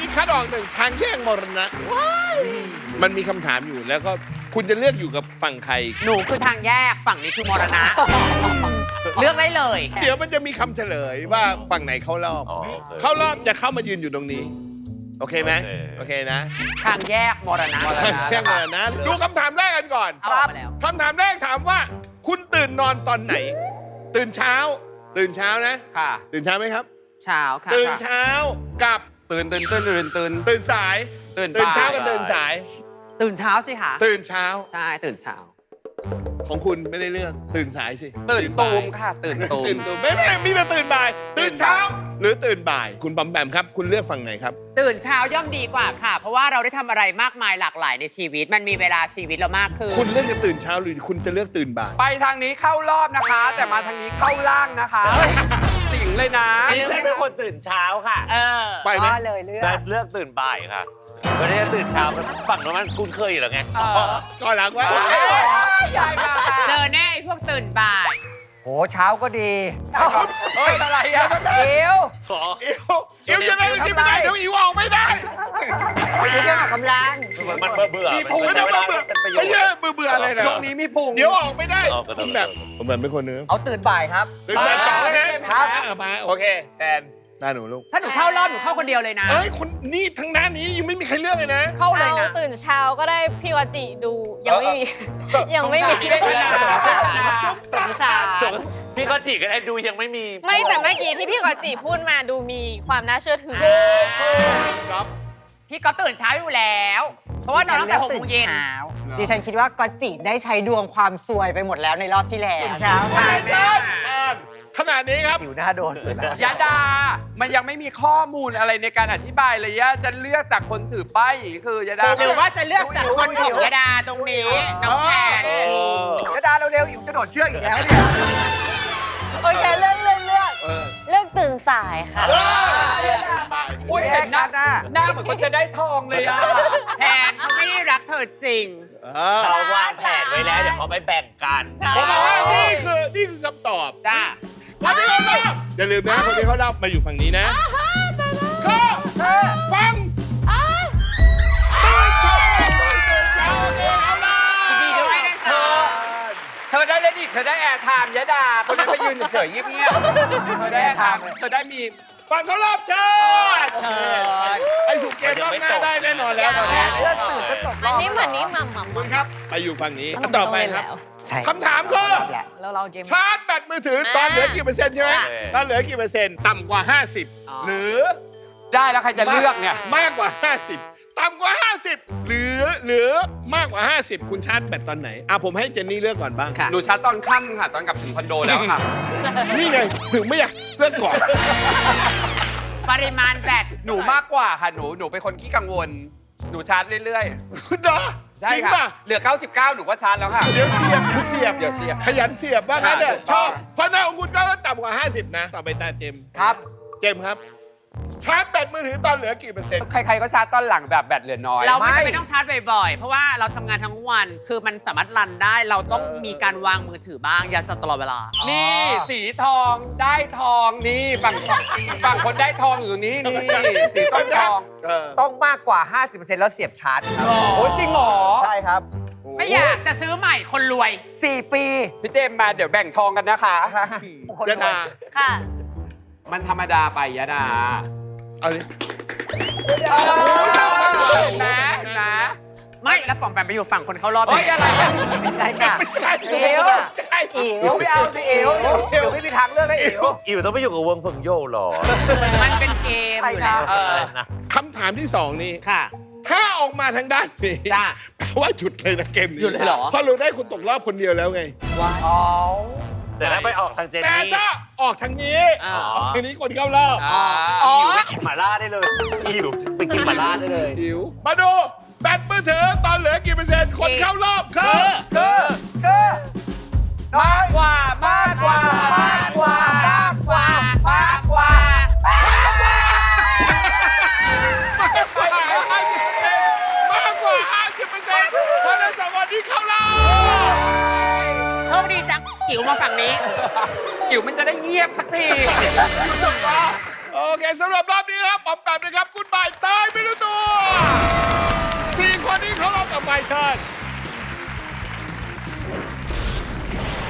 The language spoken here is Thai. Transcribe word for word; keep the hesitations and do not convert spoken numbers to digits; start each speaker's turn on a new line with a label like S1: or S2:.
S1: นี้คัดออกหนึ่งทางแยกมรณะมันมีคำถามอยู่แล้วก็คุณจะเลือกอยู่กับฝั่งใคร
S2: หนูคือทางแยกฝั่งนี้คือมรณะ เลือกได้เลย
S1: เดี๋ยวมันจะมีคำเฉลยว่าฝั่งไหนเข้ารอบ
S3: อ๋อโอเค
S1: เข้ารอบจะเข้ามายืนอยู่ตรงนี้ โอเคไหม
S3: โอเค
S1: โอเคนะ
S2: ทางแยกมรณะ
S1: แยกมรณะดูคำถามแรกกันก่อน
S2: เอาออกมาแล้ว
S1: คำถามแรกถามว่า คุณตื่นนอนตอนไหน ตื่นเช้า ตื่นเช้านะ
S2: ค่ะ
S1: ตื่นเช้าไหมครับ
S2: เช้าค่ะ
S1: ตื่นเช้ากับ
S4: ตื่นตื่นตื่นตื่นตื่น
S1: ตื่นสาย
S4: ตื่น
S1: ตื่นเช้า
S4: บ่าย
S1: กับตื่นสาย
S2: ตื่นเช้าสิคะ
S1: ตื่นเช้า
S2: ใช่ตื่นเช้า
S1: ของคุณไม่ได้เลือกตื่นสายสิ
S4: ตื่นตูม
S1: บ่าย
S4: ค่ะ ตื่นตูม
S1: ตื่นตูมไม่ไม่มีแต่ตื่นบ่าย ตื่นเช้า หรือตื่นบ่าย คุณปอมแปมครับ คุณเลือกฝั่งไหนครับ
S2: ตื่นเช้าย่อมดีกว่าค่ะ เพราะว่าเราได้ทำอะไรมากมายหลากหลายในชีวิต มันมีเวลาชีวิตเรามากขึ้น
S1: คุณเลือกจะตื่นเช้าหรือคุณจะเลือกตื่นบ่าย
S4: ไปทางนี้เข้ารอบนะคะ แต่มาทางนี้เข้าล่างนะคะ สิงเลยนะ
S3: ดิฉันเป็นคนตื่นเช้าค่ะ
S2: เออ
S1: ไปไหม
S5: ก็เลยเลือ
S3: แต่
S5: ก
S3: เลือกตื่นบ่ายค่ะไม่ได้ตื่นเช้าฝั่งโน้นมันคุ้นเคยอยู่แล้วไง
S4: เออ
S1: ก็หลังว่า
S4: ใหญ่มา
S2: เจอแน่ไอ้พวกตื่นบ่าย
S5: โหเช้าก็ดี
S4: เฮ้ยอะไรอ่ะ
S5: เอว
S3: ขอ
S1: อิวอิวจะได้ที่ไม่ได้เดี๋ยวอิวออกไม่ได้
S5: ไม่ใช่เครื่องออกกำลัง
S3: มันมันเบื่อเบื่อ
S4: มีพุง
S1: ไม่
S3: ใช้
S1: ต้อง
S3: เว
S1: เบื่
S3: ลา
S1: อ
S3: เป็นประโย
S1: ไม่
S3: ช
S1: ใช่
S3: น์
S1: เบื่อเบื่ออะไรนะ
S4: ช่วงนี้มีพุง
S1: เดี๋ยวออกไม่ได้
S3: ออกก็
S1: ผ
S3: ต้อง
S1: มแบบผมแบบไม่คนเนื้อ
S5: เอาตื่นบ่ายครับ
S1: ตื่นบ่ายสองนะครับ มาโอเคแทนหน้าหนูลูก
S2: ถ้าหนูเข้ารอบหนูเข้าคนเดียวเลยนะ
S1: เอ้ยคนนี่ทั้งด้านนี้ยังไม่มีใครเลือกเลยนะ
S2: เข้าเลยนะ
S6: เอาตื่นเช้าก็ได้พี่วาจิดูยังไม่มี ยังไม่มี
S4: ไม่เป็นไร
S5: สงสารสงสาร
S3: ส่งพี่ก็จีก็ได้ดูยังไม่มี
S6: ไม่แต่เมื่อกี้ที่พี่วาจิพูดมาดูมีความน่าเชื่อถือ
S1: ครับ
S2: พี่ก๊อฟตื่นเช้าอยู่แล้ว เพราะว่านอนตั้งแต่หกโมงเย็น
S5: เช้าดิฉันคิดว่าก็จิได้ใช้ดวงความซวยไปหมดแล้วในรอบที่แล้วเช้า
S2: ใช่
S1: ใช่ขนาดนี้ครับ
S5: อยู่หน้าโดนสุดแล้ว
S4: ยาดา มันยังไม่มีข้อมูลอะไรในการอธิบายเลยยะจะเลือกจากคนถือป้ายคือยาดา
S2: หรือว่าจะเลือกจากคนของยาดาตรงนี้น้องแพน
S3: เออ
S5: กระดาเร็วๆอิ๋วจะโดดเชือกอีกแล้วเนี่ย
S6: โอเคเลือกเลือกเลือก
S1: เออ
S6: เลือกตื่นสายค่ะ
S4: อุ้ยเห็นหน้าหน้าเหมือนคนจะได้ทองเลยอ่ะ
S2: แพนเขาไม่ได้รักเธอจริง
S3: เขาวางแผนไว้แล้วเดี๋ยวเขาไปแบ่งกัน
S1: ผมบอกว่านี่คือนี่คือคำตอบ
S2: จ้า
S1: คนที่เขารอบอย่าลืมนะคนที่เขารอบมาอยู่ฝั่งนี้นะก็ฟังตื่นเช้าตื่นเช้าโอเคเอาล่ะ
S2: ยินดีด้วยนะ
S4: เธ
S2: คะ
S4: อ เธอได้เลดิเธอได้แอร์ไทม์ยะดา คนนั้นไปยืนเฉยๆเงียบๆ เธอได้แอร์ไทม์เธอได้มี
S1: ฟังเขารอบเชิญไอ้สุกเกมรอบหน้าได้แน่นอนแล้วตอนนี้
S5: เลือกตื่นก็จบร
S6: อัน
S5: อบ
S6: นี้เหมือนนี้หม่ำหม่ำ
S1: คุณครับไปอยู่ฝั่งนี้
S6: ต้อง
S1: ต่อไป
S6: เล่น
S1: ครับ
S6: แล้ว
S5: ใช่
S1: คำถามคือ
S5: แหละ
S6: แล้วเราเกม
S1: ชาร์จแบตมือถือตอนเหลือกี่เปอร์เซ็นต์ใช่ไหม
S3: โอเค
S1: ตอนเหลือกี่เปอร์เซ็นต์ต่ำกว่า ห้าสิบ หรือ
S4: ได้แล้วใครจะเลือกเนี่ย
S1: มากกว่า ห้าสิบ ต่ำกว่า ห้าสิบ หรือหรือมากกว่า ห้าสิบ คุณชาร์จแบตตอนไหนอ่ะผมให้เจนนี่เลือกก่อนบ้าง
S2: ค่ะ
S4: หนูชาร์จตอนค่ำค่ะ ตอนกลับถึงคอนโดแล้วค่ะ
S1: นี่ไงถึงไม่อยากเลือกก่อน
S2: ปริมาณแบต
S4: หนูมากกว่าค่ะ หนู หนูเป็นคนขี้กังวล หนูชาร์จเรื่อย
S1: คุณดอ
S4: ๆ ได้
S1: จริง
S4: ค่ะ
S1: ป่ะ
S4: เหลือ เก้าสิบเก้า หนูก็ชาร์จแล้วค่ะ
S1: เดี๋ยวเสียบเดี๋ยวเสียบ
S4: เดี๋ยวเสียบ
S1: ขยันเสียบว่างั้นเนี่ย
S4: ถูก
S1: ช
S4: ต้
S1: อ
S4: อง
S1: บเพราะหน้าของคุณก็ต่ำกว่า ห้าสิบ นะ ต่อไปตาเจมส์
S5: ครับ
S1: เจมส์ครับ ชาร์จแบตมือถือตอนเหลือกี่เปอร์เซ็นต์
S4: ใครๆก็ชาร์จตอนหลังแบบแบตเหลือน้อย
S2: เราไม่
S5: ไม่
S2: จำเป็นต้องชาร์จบ่อยๆ เพราะว่าเราทำงานทั้งวัน คือมันสามารถรันได้ เราต้องมีการวางมือถือบ้าง อย่าจะตลอดเวลา
S4: นี่สีทองได้ทองนี่ฝั่งฝั่งคนได้ทองอยู่ตรงนี้นี่สีต้นทอง
S1: เออ
S5: ต้องมากกว่า ห้าสิบเปอร์เซ็นต์ แล้วเสียบชาร์จครับ
S4: โอ้ยจริงเหรอ
S5: ใช่ครับ
S2: ไม่อยากจะซื้อใหม่คนรวย
S5: สี่ ปี
S4: พี่เจมส์มาเดี๋ยวแบ่งทองกันนะคะ
S5: คน
S1: ยะ
S5: รวย
S1: ดา
S6: ค่ะ
S4: มันธรรมดาไปยะดา
S1: เอาเลย
S4: นะนะ
S2: ไม่แล้วป๋อมแปมไปอยู่ฝั่งคนเข้ารอบ
S4: เฮ้ยอะไรกัน
S5: ไม่ใช่ค่ะ
S1: ไม่ใช่
S5: อิ๋ว
S1: ใช่
S5: อิ๋วไม่เอาสิอิ๋วอิ๋วไม่มีทางเลือกให้อิ๋ว
S3: อิวต้องไปอยู่กับวงเพิงโยหรอ
S2: มันเป็นเกมอยู่แล้ว
S4: เออ
S3: อะไรนะ
S1: คำถามที่สองนี่
S2: ค่ะ
S1: ถ้าออกมาทางด้านนี้
S2: จ้า
S1: แปลว่าหยุดเลยนะเกมนี้
S2: หยุดเลยเหรอ
S1: เพราะเราได้คุณตกรอบคนเดียวแล้วไง
S5: อ๋อ
S3: แต่ถ้าไปออกทางเจน
S1: แต่
S3: นี่
S1: ถ้าออกทางนี้
S2: อ่า
S1: ออกทางนี้คนเข้ารอบ
S4: อ๋อ
S1: อ๋อ
S3: อิวไปกินหม่าล่าได้เลยอิวไปกินหม่าล่าได้เลย
S1: หิว มาดูแบตมือถือตอนเหลือกี่เปอร์เซ็นต์ คนเข้ารอบคือ
S5: คือคือ
S4: มากกว่ามากกว่าม
S5: ากกว่ามากกว่ามากกว่า
S1: มากกว่าห้าสิบเปอร์เซ็นต์มากกว่าห้าสิบเปอร์เซ็นต์เพราะฉะนั้นสองคนนี้เข้ารอบ
S2: โชคดีจังจิ๋วมาฝั่งนี้
S4: จิ๋วมันจะได้เงียบสักที
S1: โอ้เคสำหรับรอบนี้นะครับผมแบบนะครับคุณบ่ายตายไม่รู้ตัวสี่คนนี้เขารอบต่อไปเชิญ